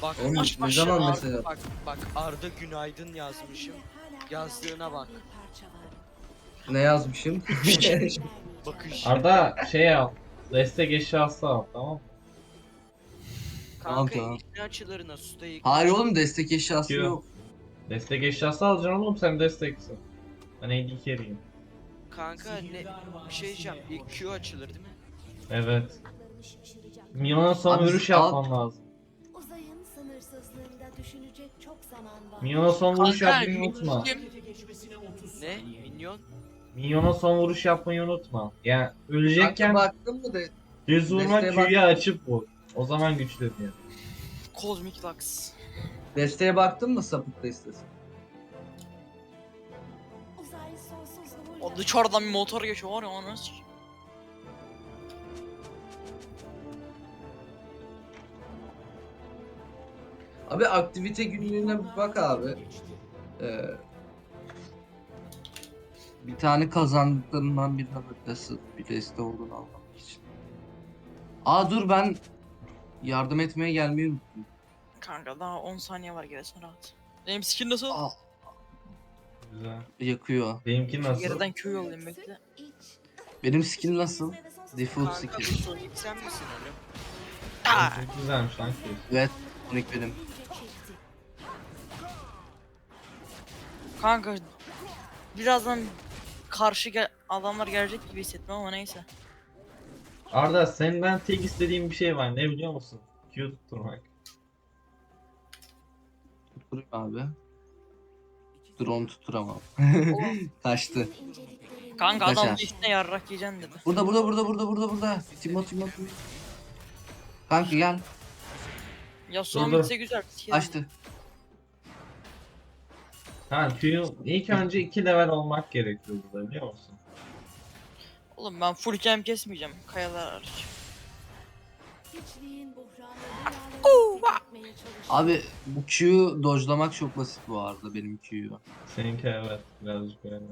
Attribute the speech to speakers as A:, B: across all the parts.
A: Bak
B: Oğlum,
A: baş
B: ne
A: başa
B: zaman
A: Arda,
B: mesela?
A: bak Arda günaydın yazmışım. Yazdığına bak.
B: Ne yazmışım?
A: Bakış.
C: Arda şey yap. Destek eşyası al, tamam mı?
B: Tamam,
A: Kanka
B: tamam.
A: işin açılarına suda
B: Hayır
A: yıkayacağım.
B: oğlum, destek eşyası
C: Q.
B: yok.
C: Destek eşyası alacaksın oğlum, sen desteksin. Ben AD carry'im.
A: Kanka ne bir şey diyeceğim. İlk Q açılır değil mi?
C: Evet. Minyona son
B: Abi
C: vuruş
B: al.
C: yapman lazım.
D: Uzayın sınırsızlığında düşünecek çok zaman var.
C: Minyona son vuruş
A: Kanka
C: yapmayı unutma.
A: ne? Minyon?
C: Minyona son vuruş yapmayı unutma. Yani
B: Kanka
C: ölecekken
B: baktın mı de
C: düz vurma,
B: desteğe
C: Q'yu açıp vur. O zaman güçleniyor.
A: Cosmic Lux.
B: desteğe baktın mı, sapık destesi?
D: Uzay sonsuzluğuyla...
A: O dışarıdan bir motor geçiyor var ya onu nasıl?
B: Abi aktivite günlüğüne bir bak abi. Bir tane kazandıklarından birine bak, nasıl bir deste olduğunu anlamak için. Aa dur, ben yardım etmeye gelmeyi unuttum.
A: Kanka daha 10 saniye var gelsin rahat. Benim skin nasıl?
B: Aa,
C: Güzel.
B: yakıyor.
C: Benimki nasıl?
A: Geriden Q yollayayım bekle.
B: Benim skill nasıl? Default
A: Kanka
B: skill.
A: bu Sonic sen misin oğlum?
C: Çok güzelmiş lan Q.
B: Evet, Sonic benim.
A: Kanka birazdan adamlar gelecek gibi hissettim ama neyse.
C: Arda, senden tek istediğim bir şey var, ne biliyor musun? Q tutturmak.
B: Tutturayım abi. Dur, onu tutturamam. Kaçtı.
A: Kanka
B: Kaçar.
A: adam üstüne yarrak yiyeceksin dedi.
B: Burada. Timo. Kanka gel.
A: Ya son
C: Dur.
A: bitse güzel.
B: Açtı.
C: Ha, Q'yu ilk önce 2 level olmak gerekiyor burada, biliyor musun?
A: Oğlum ben full camp kesmeyeceğim. Kayalar hariç.
D: Hiçliğin buhranı rüyalarını
B: Abi bu Q'yu dodge'lamak çok basit bu arada, benim Q'yu.
C: Seninki evet, birazcık öyle.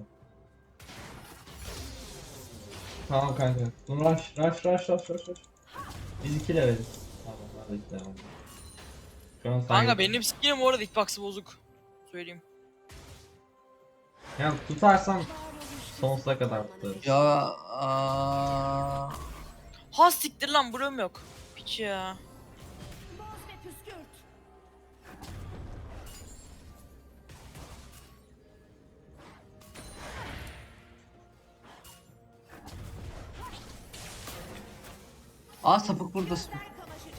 C: Tamam kanka. Rush. Biz 2 leveliz. Tamam, hadi 2 level. Şu an sen
A: Kanka
C: yap-
A: benim skinim bu arada hitbox'ı bozuk. Söyleyeyim.
C: Yani tutarsan sonsuza kadar tutarız.
B: Ya aa,
A: Ha siktir lan buram yok. Piç ya.
D: boz ve püskürt.
B: sapık burada.
D: Kavuşacak.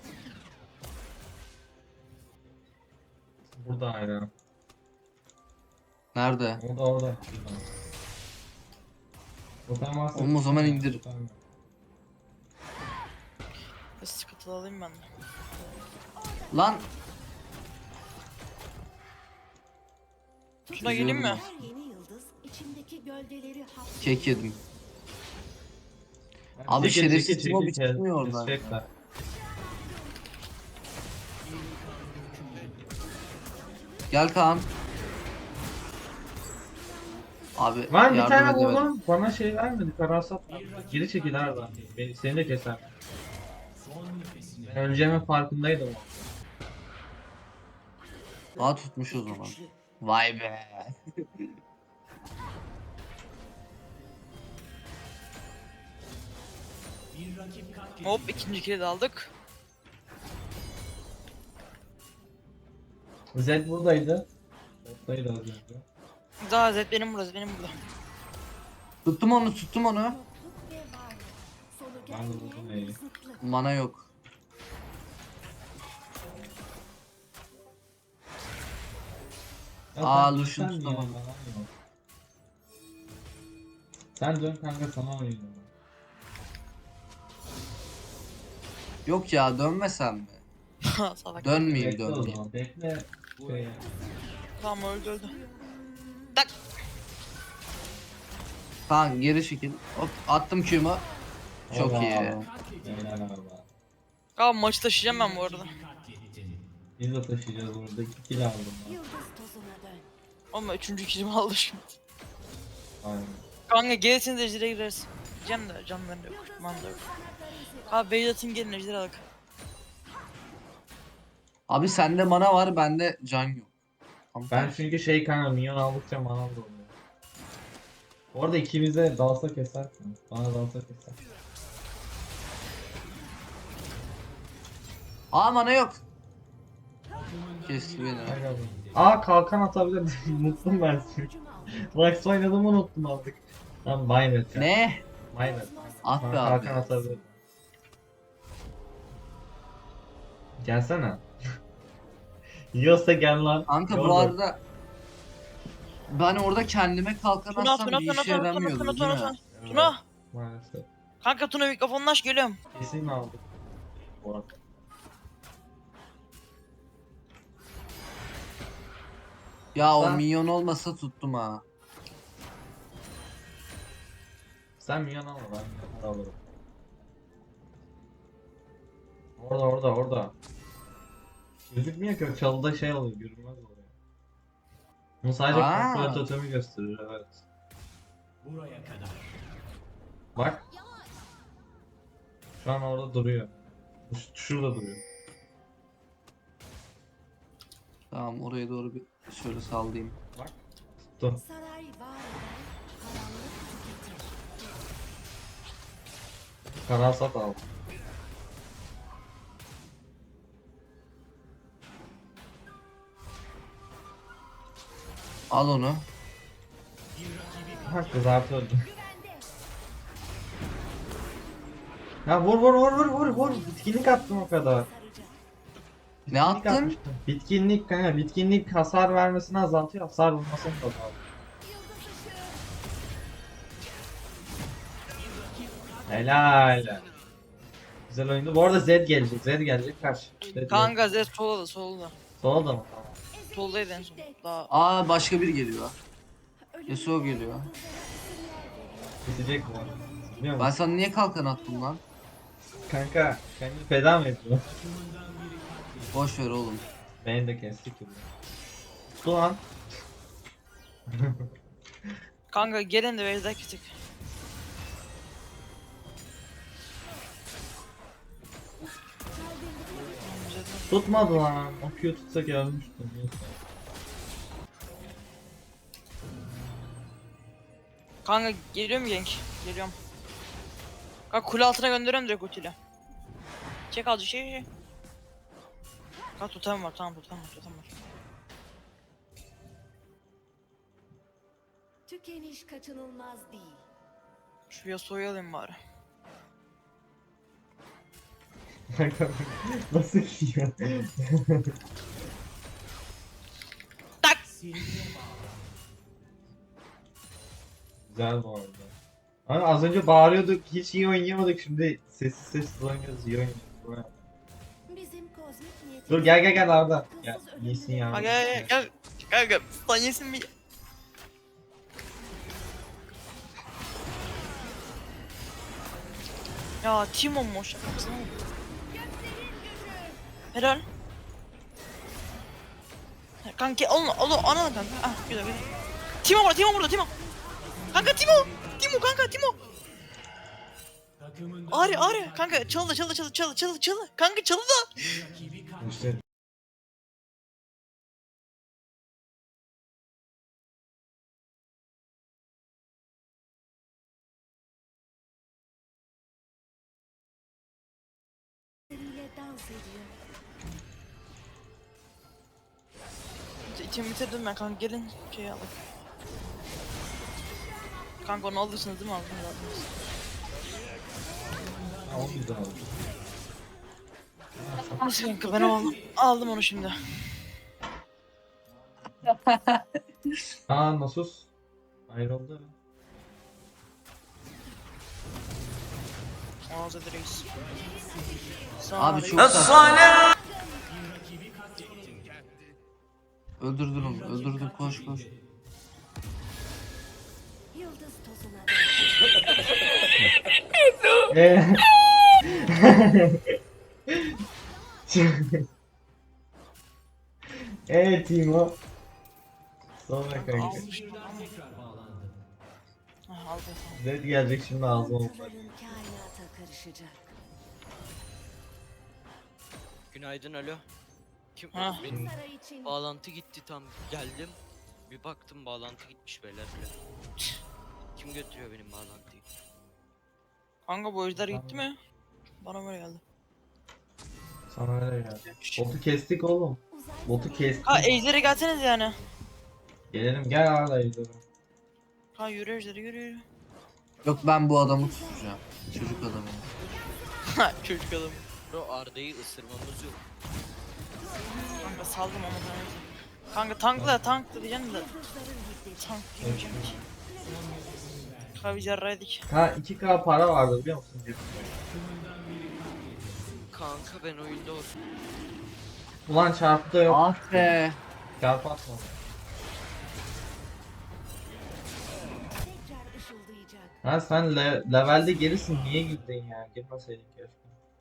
C: Burada aynen.
B: Nerede?
C: Orada. Totem varsa...
B: Oğlum, o zaman indir.
C: Totem yok.
A: Sıkıntılı alayım ben de.
B: Lan
A: Tuna geleyim mi?
D: Her yeni yıldız içindeki gölgeleri hapsediyor.
B: kek yedim. Abi
C: Çekil,
B: şerefsiz
C: çekil,
B: Timo bir
C: çekil,
B: çıkmıyor oradan.
C: kesecekler.
B: Gel Kaan. Abi
C: Lan bir
B: yardım
C: tane
B: edemedim.
C: vurdum, bana şey vermedi, karasat vermedi. Geri çekil Arda. Seni de keser. Ben öleceğimin farkındaydım.
B: Tutmuş o zaman. Vay be.
A: Hop ikinci kili de aldık.
C: Zed buradaydı. Buradaydı az önce.
A: Daha Zed benim burada.
B: Tuttum onu.
D: Yokluk ve varlık. Sonu
C: Ben de buldum
D: gelmeyen
C: neyi.
D: bir zıtlık.
B: Mana yok.
C: Ya
B: Aa,
C: sen
B: Lucian
C: dönsen
B: tutamadım.
C: ya, bana yok. Sen dön kanka, sana oynuyorum.
B: Yok ya, dönmesem mi?
A: Salak.
B: Dönmeyeyim,
C: Bekle o
B: dönmeyeyim.
C: zaman, bekle. Şey,
A: Tamam öldü. Tak.
B: Kaan geri çekil. Hop, attım Q'mu. Çok
C: Oba.
B: iyi.
C: Helal abi.
A: Abi maçı taşıyacağım ben bu arada.
C: Biz de taşıyacağız burada. 2 kill aldım ben.
D: Yıldız tozuna dön.
A: Ama üçüncü kilimi aldı şimdi.
C: Aynen.
A: Kanka gelirseniz ejdere gireriz. Diyeceğim de canları yok. Man da yok. Abi beyz atayım gelin ejdere alak.
B: Abi sende mana var, bende can yok. Tam
C: Ben
B: tersi.
C: çünkü şey kanka minyon aldıkça manam da oluyor. Orada ikimize dalsa kesersin. Bana dalsa keser.
B: Aa mana yok. Kesti beni.
C: Kanka bu. Aa kalkan atabilir. Unuttum ben şimdi. Lux oynadığımı unuttum artık. Tamam Maymet ya.
B: Ne?
C: Maymet.
B: Ah be
C: Bana
B: abi.
C: kalkan atabilir. Gelsene. Yiyorsa gel lan.
B: Kanka bu
C: Yordu.
B: arada ben orada kendime kalkan
A: Tuna
B: atsam
A: Tuna
B: bir
A: Tuna
B: işe
A: Tuna Tuna
B: yaramıyordu
A: Tuna
B: değil
A: Tuna
B: mi?
A: Tuna.
C: Evet,
A: Tuna.
C: Maalesef.
A: Kanka Tuna mikrofonunu aç geliyorum.
C: Kesin aldık. Bu arada.
B: Ya o
C: Sen-
B: minyon olmasa tuttum ha.
C: Sen minyon alma ben minyon alırım. Orada. Gözükmüyor ki o çalıda şey oluyor görünmez oluyor. Bunu sadece
B: Aa.
C: kontrol totemi gösterir evet. Bak. Şu an orada duruyor. Şurada duruyor.
B: Tamam oraya doğru bir şöyle sallayayım.
C: Bak. Tuttum.
D: Saray var eden, karanlık tüketir.
C: Karasat al.
B: Al onu.
C: Ha kızartı öldü. Ya vur. Bitkinlik attım o kadar.
D: Saracak.
B: Ne attın?
C: Atmıştım. Bitkinlik kanka bitkinlik hasar vermesini azaltıyor hasar vurmasını da azaltıyor. Helal. Güzel oyundu. Bu arada Zed gelecek karşı.
A: Kanka Zed solda solda.
C: Sola da mı? Tamam.
A: Soldaydı en son. Daha
B: Aa başka biri geliyor.
D: Ölümün
B: Yasuo geliyor.
D: yıldızlara isimler veriyor.
C: Bitecek bu arada. Biliyor
B: Ben
C: musun?
B: sana niye kalkan attım lan?
C: Kanka kendini feda mı ediyor?
B: Boş ver oğlum.
C: Beni de kestik gibi. Tuttu lan.
A: kanka gelin de Vezda küçük.
C: Tutmadı lan. O Q tutsak ölmüştüm. Neyse.
A: Kanka geliyorum genk. Geliyorum. Kanka kule altına gönderiyorum direkt ultiyle. Çek azıcık şey. Kanka totem var tamam totem var.
D: Tükeniş kaçınılmaz değil.
A: Şu Yasuo'yu alayım bari.
C: Kanka nasıl yiyor?
A: Tak!
C: Güzel bu arada. Ama az önce bağırıyorduk, hiç iyi oynayamadık. Şimdi sessiz oynuyoruz, iyi oynuyoruz.
D: Bizim kozmik niyetimiz...
C: Dur gel Arda. Gel, iyisin ya.
A: Ha gel. Kanka sen yesin bir. Ya Timo mu şaka mısın? Helal. Kanka onu ana kanka. Ah güzel. Timo burada Timo. Kanka Timo kanka Timo. Ağrı kanka çalı. Kanka çalı da.
C: İşte
D: ...ile dans ediyor.
A: İçimi bitirdim ben kanka gelin şey alın. Kanka onu alırsınız değil mi aldınız.
C: o güzel oldu.
A: Nasıl kanka ben aldım onu şimdi.
C: Aa Nasus ayrıldı.
A: Ağzı reis.
B: Abi çok
A: çok
B: saçma. Öldürdün onu. Öldürdün koş.
D: Yıldız tozuna
C: Eee. Timo. Sonra kanka.
A: aldı.
C: Zed gelecek şimdi ağzıma olacak.
D: dağıntıların kainata karışacak.
E: Günaydın alo. Kim
A: Ha.
E: benim
D: Saray için
E: bağlantı gitti tam geldim. Bir baktım bağlantı gitmiş beyler bile. Kim götürüyor benim bağlantıyı?
A: Kanka bu ejder gitti mi? Bana böyle geldi.
C: Sana öyle geldi. Botu kestik oğlum.
D: uzay
C: Botu kestik.
A: Ha ejdere gelseniz yani.
C: Gelelim gel Arda gidelim.
A: Ha yürü ejderi yürü.
B: Yok ben bu adamı tutacağım. Çocuk adamı.
A: Ha çocuk adam.
E: Bro Arda'yı ısırmamız yok.
A: Kanka saldım ama sana. Kanka tankla diyeceksin de.
D: yıldızların hiddeti.
A: Tank diyeceğim ki. Abi yarraydık.
C: Ha 2K para vardı biliyor musun?
E: Kanka ben oyunda olsun.
C: Ulan çarptı yok.
B: Ah be.
C: Çarp atma.
D: Tekrar ışıldayacak.
C: Ha sen levelde gerisin niye girdin ya? Girmeseydin keşke.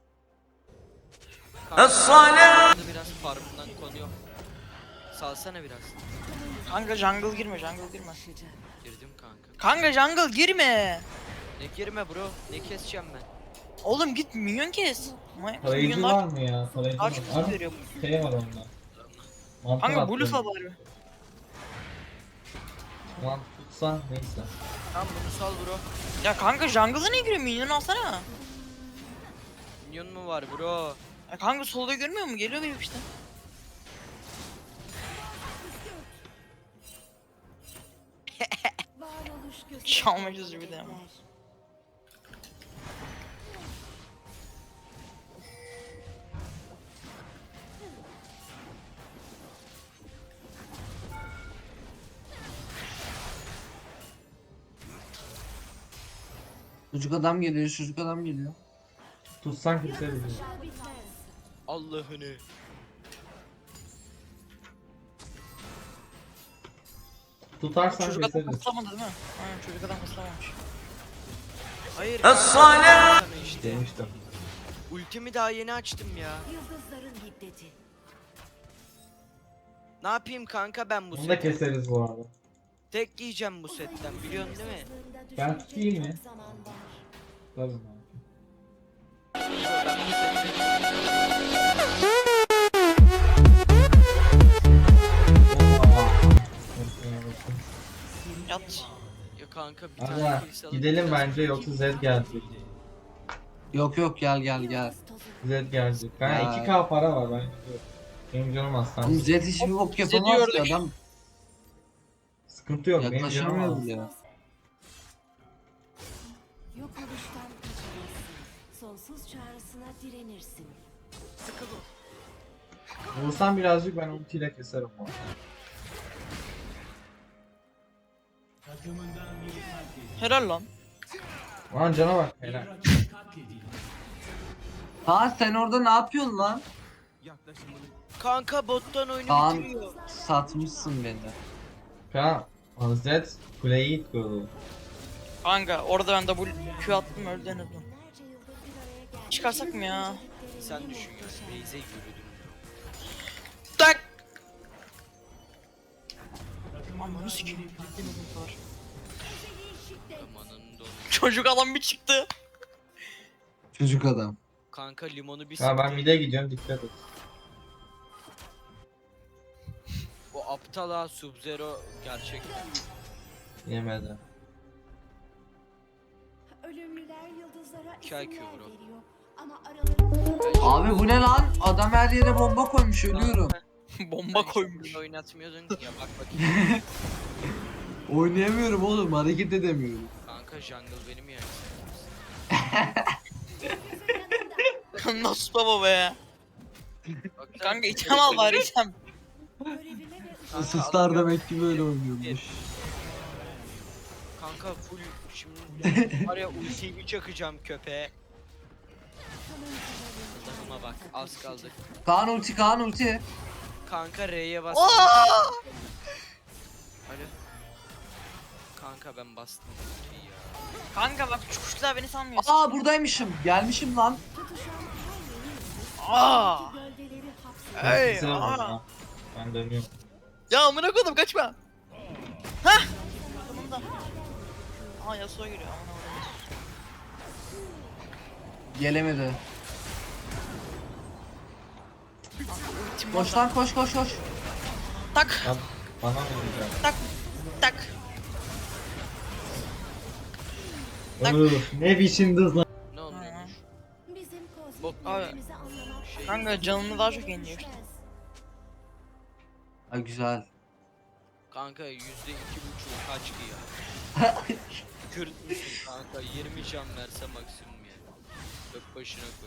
E: Kanka biraz farmından konuyor. Salsana biraz.
A: Kanka jungle girme girme.
E: Girdim kanka.
A: Kanka jungle girme.
E: Ne girme bro. Ne keseceğim ben?
A: Oğlum git minyon kes.
C: Tarayıcı
A: Minyonlar
C: var mı ya? Tarayıcı var.
A: kaç kutu
C: Abi
A: veriyor?
C: şey var onda. Mantar
A: Kanka
C: attım.
A: blue bari.
C: Lan tutsa neyse.
E: Tamam bunu sal bro.
A: Ya kanka jungle'a ne giriyor? Minyon alsana.
E: Minyon mu var bro?
A: Ya kanka solda görmüyor mu? Geliyor benim işte.
D: Varoluş gözü.
A: Çalmışız bir de ama.
B: Çocuk adam geliyor, çocuk adam geliyor.
C: Tutsan kimse bilmiyor.
D: Aşağı bitmez.
E: Allah'ını.
C: Tutarsan
A: Çocuk adam
C: keseriz.
A: ıslamadı değil mi? Aynen çocuk adam ıslamamış.
E: Hayır. Sana işte.
C: Demiştim.
E: Ultimi daha yeni açtım ya.
D: Yıldızların hiddeti.
E: Ne yapayım kanka ben bu
C: Bunu da
E: seti?
C: keseriz bu arada.
E: Tek yiyeceğim bu setten biliyorsun değil mi?
D: Sızlığında
C: Ben
D: düşünecek
C: tutayım mı?
D: çok zaman var.
C: Tabii.
E: Ben bu seti...
A: Yat.
E: Ya kanka bir tane
C: Aga
E: kilise alıp
C: gidelim
E: biraz
C: bence yoksa
E: geçeyim.
C: Zed gelecek.
B: Yok yok gel gel gel.
D: Yıldız tozu.
C: Zed gelecek. Ben
B: Ya.
C: 2K para var ben gidiyorum. Benim canım aslan.
B: Oğlum Zed hiçbir bok
A: Zed'i
B: yapamaz ki
A: gördük.
B: adam.
C: Sıkıntı yok benim canım
B: Yaklaşamıyor
C: az.
B: bile.
D: Yok oluştan kaçamazsın. Sonsuz çağrısına direnirsin.
C: Vursan birazcık ben ultiyle keserim bu arada.
A: Helal lan.
C: Lan cana bak helal.
B: Ha sen orada ne yapıyorsun lan?
E: Kanka bottan oyunu
B: Kaan
E: bitiriyor.
B: satmışsın beni.
C: Kaan Zed kuleyi itmiyordu.
A: Kanka orada ben double Q attım öldü en azından.
D: Binlerce yıldır bir araya gelmiş.
A: Çıkarsak mı ya?
E: Sen düşün ya. Beyze yürüdüm.
A: Tak! Ananı sikeyim. Gittim bu kadar.
E: Amanın donu.
A: Çocuk adam bir çıktı.
B: Çocuk adam.
E: Kanka limonu bir
C: Ya ben
E: sıktı.
C: mid'e gidiyorum dikkat et.
E: O aptal ha Sub-Zero gerçekten.
C: Yemedi.
D: Ölümlüler yıldızlara
E: Çay
D: isimler
E: kübürü.
D: veriyor. Ama aralarında
B: Abi bu ne lan? Adam her yere bomba koymuş ölüyorum.
A: Bomba koymuş.
E: Oynatmıyordun ki ya bak bakayım.
B: Oynayamıyorum oğlum hareket edemiyorum.
E: Kanka jungle benim yani.
A: Nasıl baba be?
E: Bak,
A: Kanka item al bari item.
D: görevime ve
E: Kanka,
B: Isıslar
E: alamıyorum.
B: demek ki böyle oynuyormuş.
E: Kanka full şimdi var ya ultiyi bir çakacağım köpeğe. Adamıma bak az kaldı.
B: Kaan ulti Kaan ulti.
E: Kanka R'ye bas.
A: Aa!
E: Alo. Kanka ben bastım ultiyi ya.
A: Kanka bak şu kuşlar beni sanmıyor.
B: Aa buradaymışım. Gelmişim lan.
D: tutuşan her yeni yıldız
A: Aa!
D: gölgeleri hapsediyor.
A: Ey,
C: Keserim
A: aa.
C: onu ha. Ben dönüyorum.
A: Ya amına koydum kaçma. Hah. Sonunda. Aa Yasuo geliyor amına koydum.
B: Gelemedi.
A: Ultim
B: Koş
A: orada.
B: lan koş koş koş.
A: Tak
C: Lan bana mı vuracak?
A: tak tak. Bak.
C: Öf, ne biçim hız lan.
E: Ne olmuş?
D: Bizim
E: Bok
D: kozmik
A: abi.
D: değerlerimizi anlamak
E: Şey-
A: Kanka canını daha çok yeniliyor işte.
D: düşmez.
B: Ha güzel.
E: Kanka %2,5 kaç ki ya? Kürt müsün kanka? 20 can verse maksimum yani. Bak başına koy.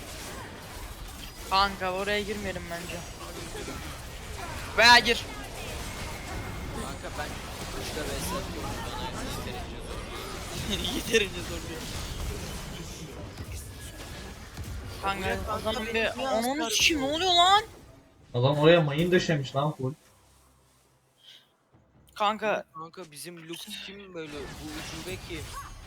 A: Kanka oraya girmeyelim bence. Veya gir.
E: Kanka ben kuşla vs atıyorum. Bana yeterince zor.
A: Yeterince zorluyor. Kanka o zaman bir onun için ne oluyor lan?
C: Adam oraya mayın döşemiş lan full.
A: Kanka
E: Kanka bizim Lux kim böyle? Bu ucube kim?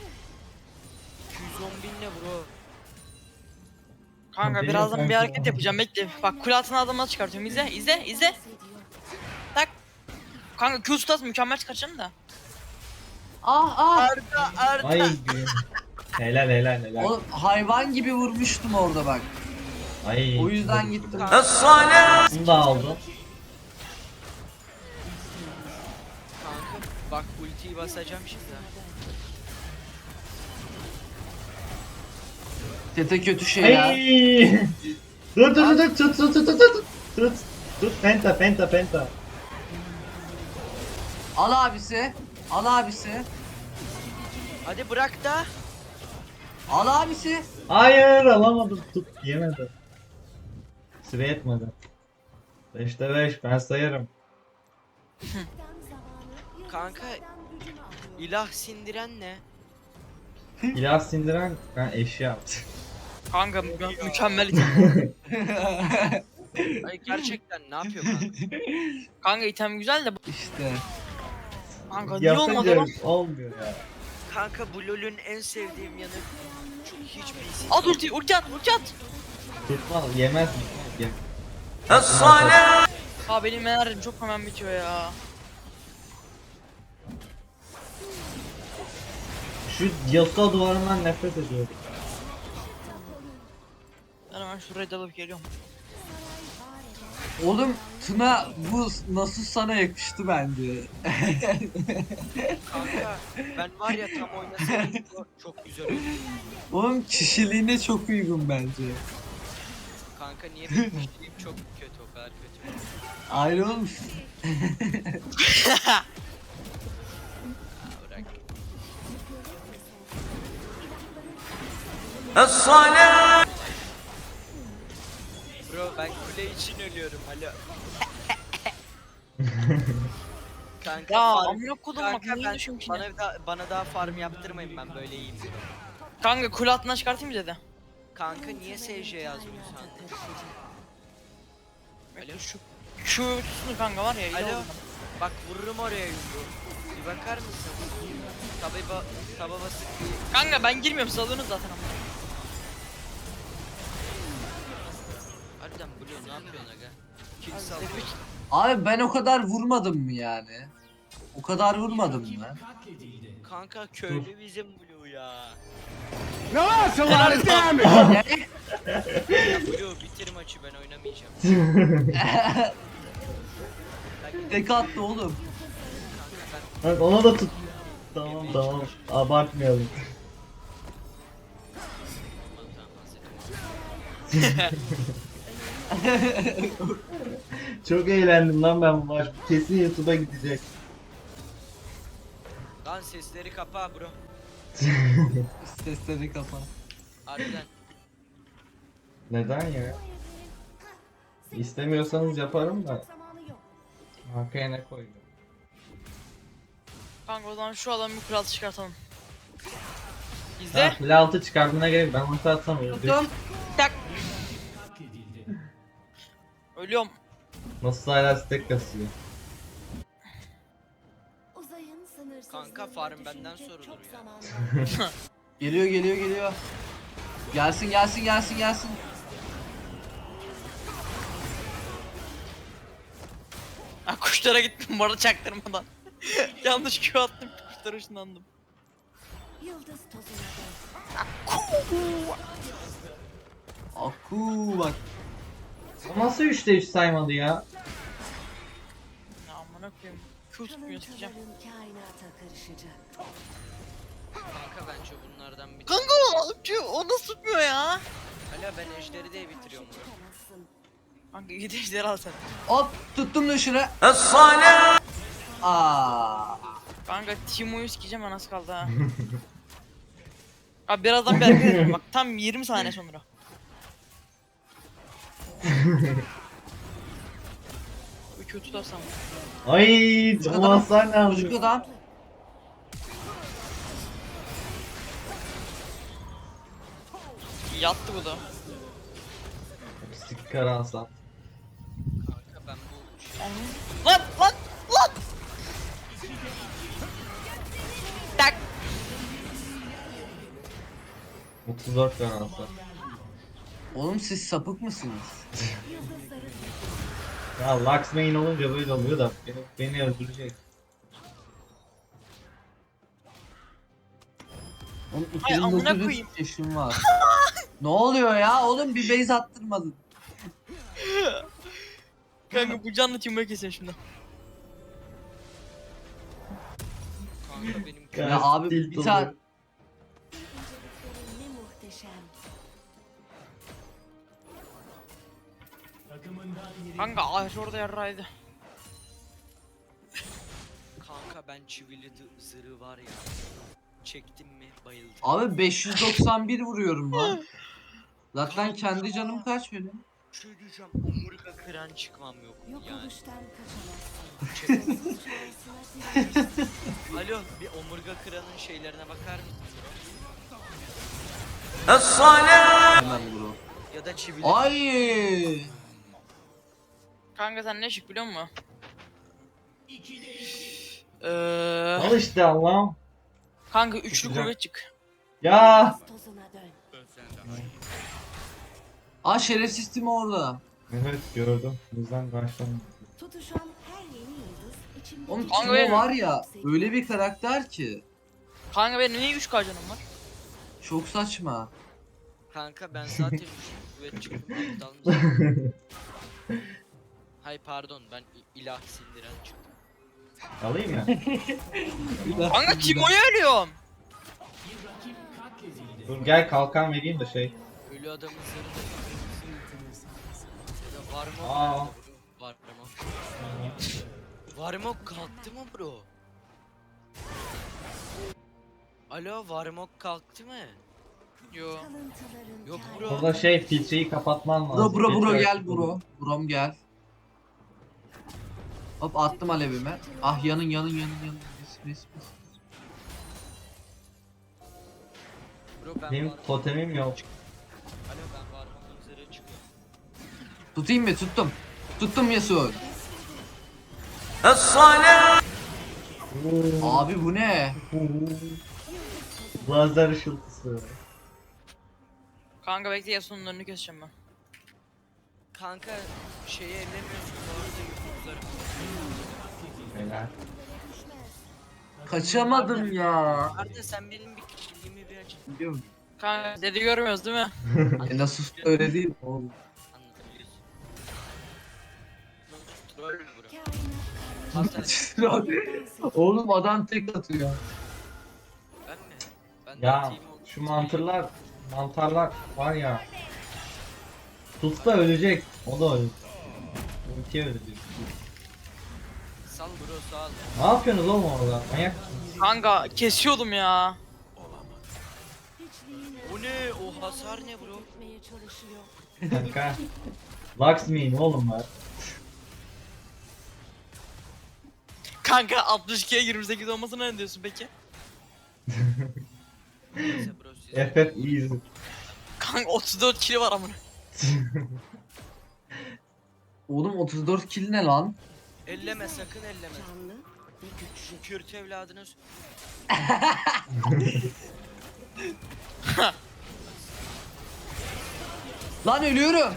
E: 210 bin ne bro?
A: kanka
C: Benim
A: birazdan bir
C: kanka.
A: hareket yapacağım bekle. Bak kule altına adamları çıkartıyorum izle izle izle. Tak. Kanka Q stat mükemmel çıkartacağım da.
B: Ah ah.
A: Arda
C: Ay gün. Helal helal helal.
B: Oğlum hayvan gibi vurmuştum orada bak.
C: Ay.
B: O yüzden gittim.
C: Bunu da aldım.
E: Kanka bak ultiyi basacağım şimdi. ha.
B: Tete kötü şey ya.
C: Ay. Dur dur dur tut tut tut tut tut. Tut. Tut penta penta penta.
B: Al abisi. Al abisi.
E: Hadi bırak da.
B: Al abisi.
C: Hayır alamadım tut yemedi. Süre yetmedi. 5'te 5 ben sayarım.
D: Tam zamanı
E: Kanka,
D: yıldızlardan gücünü alıyor.
E: İlah sindiren ne?
C: İlah sindiren ben eşya yaptım.
A: kanka mükemmel item.
E: Ay gerçekten ne yapıyor kanka?
A: Kanka item güzel de
B: İşte.
A: kanka niye olmadı
C: Yapınca
A: lan?
C: olmuyor ya.
E: Kanka bu LoL'ün en sevdiğim yanı çok hiç bilsin.
A: At ulti at ulti at.
C: Tutmaz yemez mi? Yem.
A: Ha benim enerjim çok hemen bitiyor ya.
C: Şu Yasuo duvarından nefret ediyorum.
A: Ben hemen şuraya dalıp geliyorum.
B: Oğlum Tuna bu nasıl sana yakıştı bence.
E: Kanka ben var ya tam oynasaydım çok güzel olurdu.
B: Oğlum kişiliğine çok uygun bence.
E: Kanka niye benim kişiliğim çok kötü o kadar kötü.
B: Ayrı oğlum.
E: Ha, bırak. Bro ben kule için ölüyorum alo. Kanka
A: Ya
E: farm-
A: amına kodum bak
E: Kanka
A: niye
E: ben
A: düşüyorum ki?
E: bana daha farm yaptırmayın ben böyle iyiyim.
A: Kanka kule altından çıkartayım mı dedi.
E: Kanka niye SJ yazmıyorsun?
A: Alo. Şu tutsun kanka var ya. iyi
E: Alo.
A: oldu.
E: Bak vururum oraya yumruğu. Bir bakar mısın? Taba basıp bir...
A: Kanka ben girmiyorum salıyorsunuz zaten ama.
E: Harbiden Blue ne yapıyorsun aga? Kill
A: Abi,
E: sallıyor.
B: Abi ben o kadar vurmadım mı yani? O kadar vurmadım mı?
E: Kanka köylü bizim Blue ya.
A: Helal
E: Ya Blue bitir maçı ben oynamayacağım.
B: Tek attı oğlum.
E: Kanka ben
C: Bak ona da tut. Tamam tamam abartmayalım. Çok eğlendim lan ben bu maç. Kesin YouTube'a gidecek.
E: Lan sesleri kapa bro.
B: Sesleri kapa.
E: Harbiden.
C: Neden ya? İstemiyorsanız yaparım da.
D: Zamanı yok.
C: Arkaya ne koyuyorum?
A: Kanka o zaman şu adamı bir kule altı çıkartalım.
C: Ha,
A: İzle.
C: file altı çıkardığına gerek ben ulti atsam öldü.
A: Tuttum. Tak. Ölüyorum.
C: Nasıl hala stack kasıyor?
D: Uzayın sınırsızlığında
E: Kanka, farm benden
D: düşünecek
E: sorulur
D: çok
E: ya.
D: zaman var.
B: Geliyor geliyor geliyor. Gelsin gelsin gelsin gelsin.
A: Ha kuşlara gittim bu arada çaktırmadan. Yanlış Q attım kuşlara ışınlandım.
D: Yıldız tozuna dön.
B: Aku bak.
C: O nasıl 3'te 3 saymadı ya?
A: Ya amına koyayım. Q tutmuyor sikeceğim.
D: Kalıntıların kainata karışacak.
E: Kanka bence bunlardan bir
A: Kanka o nasıl tutmuyor ya?
E: Hala ben ejderi de bitiriyorum bro.
D: Tutamazsın.
A: Kanka git ejderi al sen.
B: Hop tuttum dışarı. Aa.
A: Kanka Timo'yu sikeceğim anası kaldı ha. Abi birazdan bir hareket edeceğim bak tam 20 saniye sonra. Bu kötü tutarsam.
C: Ay
B: Çocuk
C: o hasar ne
B: Çocuk
C: yapıyor?
B: adam.
A: Yattı bu da.
C: Sticker alsam.
E: Kanka ben bu şey...
A: Lan lan lan! Tak!
C: 34 tane alsam.
B: Oğlum siz sapık mısınız?
C: Ya Lux main olunca böyle oluyor da beni öldürecek.
B: Oğlum
A: Ay, amına
B: 2900
A: koyayım.
B: yaşım var. Ne oluyor ya? Oğlum bir base attırmadın.
A: Kanka bu canlı Timo'yu kesin şimdi.
E: Kanka benim
B: Ya abi,
C: tilt
B: bir tane-
C: oluyor.
D: İnceliklerin ne muhteşem.
A: Kanka ağaç orada yarraydı.
E: kanka ben çivili zırhı var ya. Çektim mi bayıldım.
B: Abi 591 vuruyorum lan. Zaten kendi canım kaç benim?
E: Bir şey diyeceğim. Omurga kıran çıkmam yok.
D: Yok
E: Yani.
D: oluştan kaçamazsın.
E: Çek-
D: Şansına direnirsin.
E: Alo bir omurga kıranın şeylerine bakar mısın bro?
B: Hemen bro.
E: Ya da çivili.
B: Ay!
A: Kanka sen ne çık biliyor musun?
C: Al işte Allah'ım.
A: Kanka üçlü
C: Güzel.
A: kuvvet çık.
C: Ya.
D: Tozuna dön.
B: Aa şerefsiz Timo orada.
C: Evet gördüm. Bizden kaçtım.
D: Tutuşan her yeni yıldız içimde
B: Oğlum
A: Kanka
B: Timo
A: benim-
B: var ya öyle bir karakter ki.
A: Kanka benim niye 3 canım var?
B: Çok saçma.
E: Kanka ben zaten üçlü kuvvet çıktım. Aptal mısın? Hay pardon ben ilah sindiren çıktım.
C: Alayım ya.
A: Kanka Timo'yu ölüyorum.
C: Dur gel kalkan vereyim de şey.
E: Ölü adamın zırhını ya da var mı?
C: Aa.
E: Var mı? Varmok kalktı mı bro? Alo Varmok kalktı mı?
A: Yo.
D: kalıntıların
E: Yok
D: kainata-
E: bro.
C: Burada şey filtreyi kapatman lazım.
B: Bro
C: Filtre-
B: gel bro. Brom gel. Hop attım alevime. Ah yanın. Mis.
E: Bro ben
C: Benim
E: Varmok-
C: totemim yok.
E: Alo ben Varmok'un zırhı çıkıyor.
B: Tutayım mı? Tuttum. Tuttum Yasuo. Abi bu ne?
C: Lazer ışıltısı.
A: Kanka bekle Yasuo'nun önünü keseceğim ben.
E: Kanka şeyi ellemiyorsun bu arada yumrukları.
C: Helal.
B: Kaçamadım ya.
E: Arda sen benim bir kişiliğimi bir aç.
B: Biliyorum.
A: Kanka dedi görmüyoruz değil mi?
B: Nasıl öyle değil mi oğlum?
E: Anlatabiliyorsun. Troll mü bro?
D: Kainat
E: Hasan
B: Oğlum adam tek atıyor.
E: ben mi? Ben
C: Ya
E: atayım o-
C: şu mantarlar var ya. Tutsa ölecek. O da ölecek. Ultiye ölecek.
E: Sal bro sal.
C: Ne yapıyorsunuz oğlum orada? Manyak mısınız?
A: Kanka kesiyordum ya.
D: hiçliğin
E: O ne? O hasar ne bro?
D: etmeye çalışıyor.
C: Kanka. Lux main oğlum var.
A: Kanka 62'ye 28 olmasına ne diyorsun peki?
E: Neyse bro siz.
C: FF easy.
A: Kanka 34 kilo var amına.
B: Oğlum 34 kill ne lan?
E: Elleme sakın elleme.
D: Canlı ve güçlü.
E: Kürt evladını
B: Lan ölüyorum.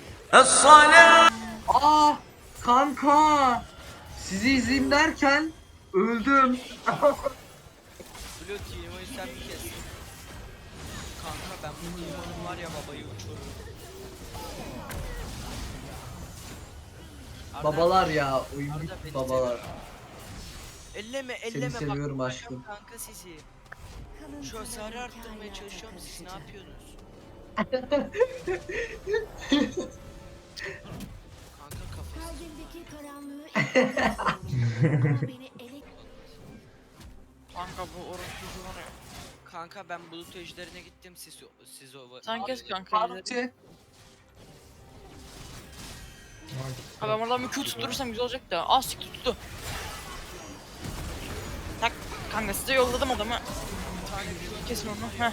B: Aa kanka. Sizi izleyeyim derken öldüm.
E: Blue Timo'yu sen mi kestin? Kanka ben bu Timo'nun var ya babayı uçururum.
B: Babalar ya. Oyun
E: Arda
B: bitti
E: beni
B: babalar.
E: Elleme
B: Seni
E: elleme
B: seviyorum
E: bak.
B: aşkım.
E: Kanka sizi. Şu
D: Kalıntıların
E: hasarı arttırmaya
D: kainata
E: çalışıyorum siz ne
D: karışacak.
E: yapıyorsunuz? Kanka kafası.
D: Kalbimdeki karanlığı ifade ama beni
A: Kanka bu orospu var ya.
E: Kanka ben bulut ejderine gittim siz o
A: Sen kes kanka.
B: Parti.
A: Ha ben buradan bir Q tutturursam güzel olacak da. Az siktir tuttu. Tak kanka size yolladım adamı. Kesin onu. Heh.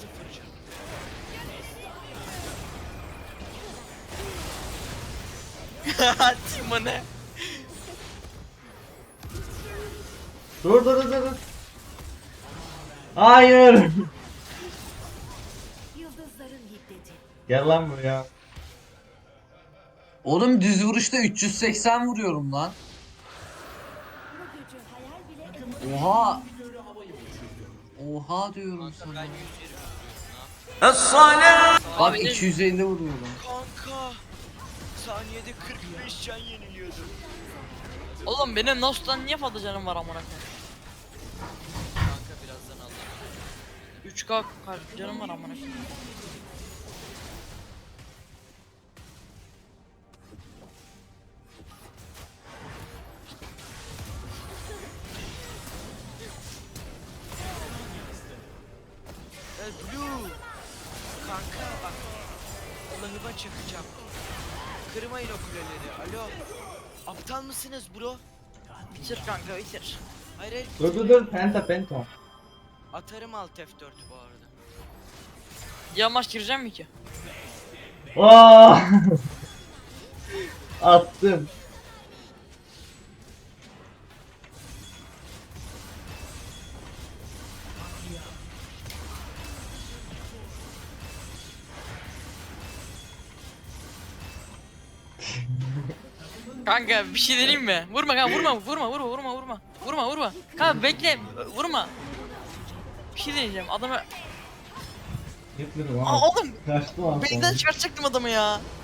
A: Timo ne?
C: Dur. Hayır.
D: yıldızların hiddeti.
C: Gel lan buraya.
B: Oğlum düz vuruşta 380 vuruyorum lan.
D: Bu gücü hayal bile edemem.
B: Oha. Oha diyorum
E: Kanka
B: sana.
E: ben 120 vuruyorum ne
B: Bak
A: Abi,
B: 250 vuruyorum.
E: Kanka saniyede 45 can yeniliyordum.
A: Oğlum benim Nost'tan niye fazla canım var amına koyayım?
E: Kanka birazdan Allah'ım.
A: 3K canım var amına koyayım.
E: Blue. Kanka bak. Allah'ıma çakacağım. Kırmayın o kuleleri. Alo. Aptal mısınız bro?
A: Bitir kanka bitir.
E: Hayır hayır.
C: Dur. Penta.
E: Atarım alt F4 bu arada.
A: Yamaç gireceğim mi ki?
C: Aa! Attım.
A: Kanka bir şey deneyeyim mi? Vurma kanka vurma. Kanka bekle vurma. Bir şey deneyeceğim adamı.
C: Yıkılırım
A: Aa
C: ama.
A: oğlum
C: Kaçtı lan
A: benden
C: sonra.
A: çıkartacaktım adamı ya.